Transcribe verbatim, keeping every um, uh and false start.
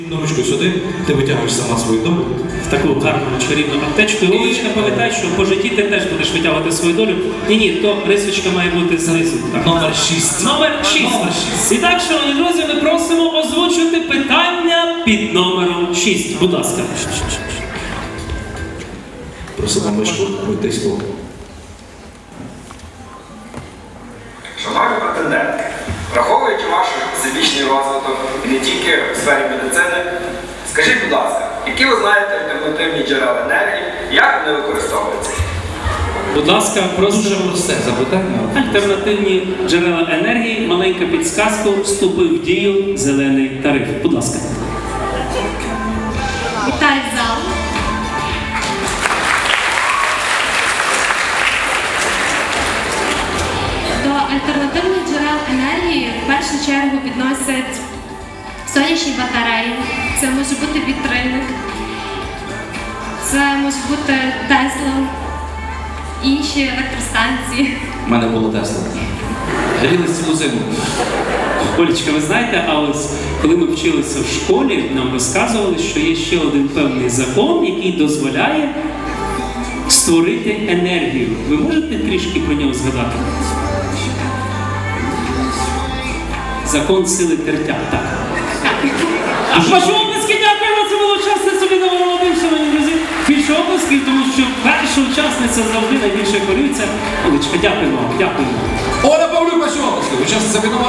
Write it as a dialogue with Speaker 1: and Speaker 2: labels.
Speaker 1: Ручку сюди, ти витягуєш сама свою долю.
Speaker 2: В таку гарну чарівну аптечку. І Олечка, пам'ятай, що по житті ти теж будеш витягувати свою долю. Ні-ні, то рисочка має бути знизу. Так.
Speaker 1: Номер шість.
Speaker 2: Номер шість.
Speaker 1: Номер шість.
Speaker 2: І так, шановні друзі, ми просимо озвучити питання під номером шість. Будь ласка.
Speaker 1: Просимо мишку витиську.
Speaker 3: Шановні претенденти, враховуючи ваш всебічний розвиток і не тільки в сфері медицини, скажіть, будь ласка, які ви знаєте альтернативні джерела енергії, як вони використовуються?
Speaker 2: Будь ласка,
Speaker 1: Дуже
Speaker 2: просимо
Speaker 1: просте запитання.
Speaker 2: альтернативні джерела енергії. Маленька підсказка. Вступив в дію зелений тариф. Будь ласка.
Speaker 4: Вітаю зал. До альтернативних джерел енергії в першу чергу відносять сонячні батареї, це може бути вітрильник, це може бути Тесла, інші електростанції.
Speaker 1: У мене було Тесла. Грілись цілу зиму.
Speaker 2: Олечка, ви знаєте, а ось коли ми вчилися в школі, нам розказували, що є ще один певний закон, який дозволяє створити енергію. Ви можете трішки про нього згадати? Закон сили тертя, так. А ваші обласки, дякуємо, це була учасниця Соліда Володимир, шановні друзі. Більше обласків, тому що перша учасниця завжди найбільше хвилюється. Олечка, дякуємо вам, дякуємо.
Speaker 1: Оля Павлюк, ваші обласки, учасниця